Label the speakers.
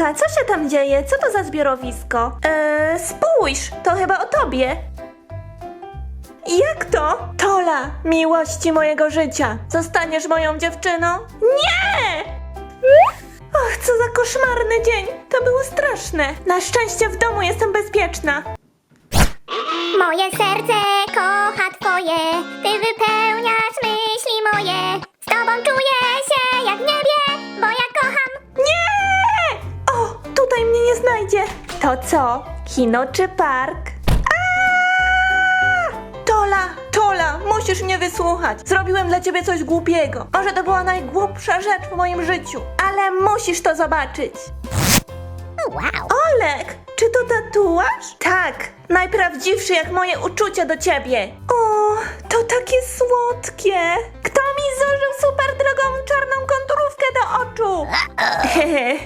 Speaker 1: Olka, co się tam dzieje? Co to za zbiorowisko? Spójrz, to chyba o tobie. Jak to? Tola, miłości mojego życia. Zostaniesz moją dziewczyną? Nie! Och, co za koszmarny dzień. To było straszne. Na szczęście w domu jestem bezpieczna.
Speaker 2: Moje serce kocha twoje, ty wypełniasz myśli moje. Z tobą czuję się jak w niebie, bo ja kocham.
Speaker 1: Nie! O, tutaj mnie nie znajdzie. To co? Kino czy park? Tola, musisz mnie wysłuchać. Zrobiłem dla ciebie coś głupiego. Może to była najgłupsza rzecz w moim życiu, ale musisz to zobaczyć.
Speaker 2: Wow.
Speaker 1: Olek, czy to tatuaż? Tak, najprawdziwszy jak moje uczucia do ciebie. O, to takie słodkie. Kto mi zużył super drogą czarną konturówkę do oczu?